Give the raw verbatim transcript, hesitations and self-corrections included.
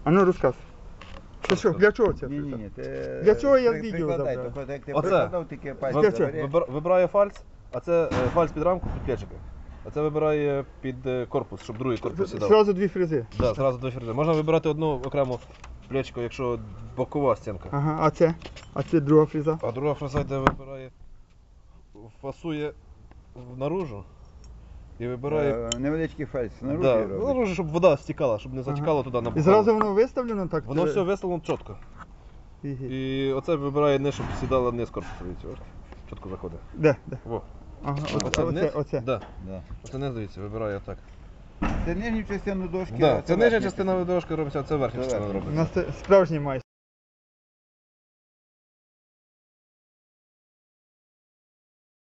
А ну розказуй. Що, що, для чого це? Ні, ні, ні. Ти Для чого я при- відео прикладай, забрав? тільки як ти Оце. прикладав, тільки пальці Для чого? забери. Вибир- Вибирає фальц, а це е, фальц під рамку, під плечики. А це вибирає під е, корпус, щоб другий корпус сідав. Зразу дві фрези. Да, зразу до фрези. Можна вибирати одну окрему плечко, якщо бокова стінка. Ага, а це? А це друга фреза? А друга фреза йде вибирає, фасує в- наружу і вибирає. Е, Невеличкий фальс наружу Да, робить. наружу, щоб вода стікала, щоб не затікала туди на І бокову. зразу воно виставлено так? Воно Е, все виставлено чітко. Ігі. І оце вибирає не, щоб сідала низ корпусу. Дивіться, от. Чітко заходить. Де? Де? Во. Ага, Оце, оце, вниз? оце, оце. Да. Да. Оце не дивіться, вибирає отак. Це нижню частину дошки. Да. а Це нижня верхня частина дорожки робиться, а це верхня Це частина верхня. У робиться. нас це справжній майстер.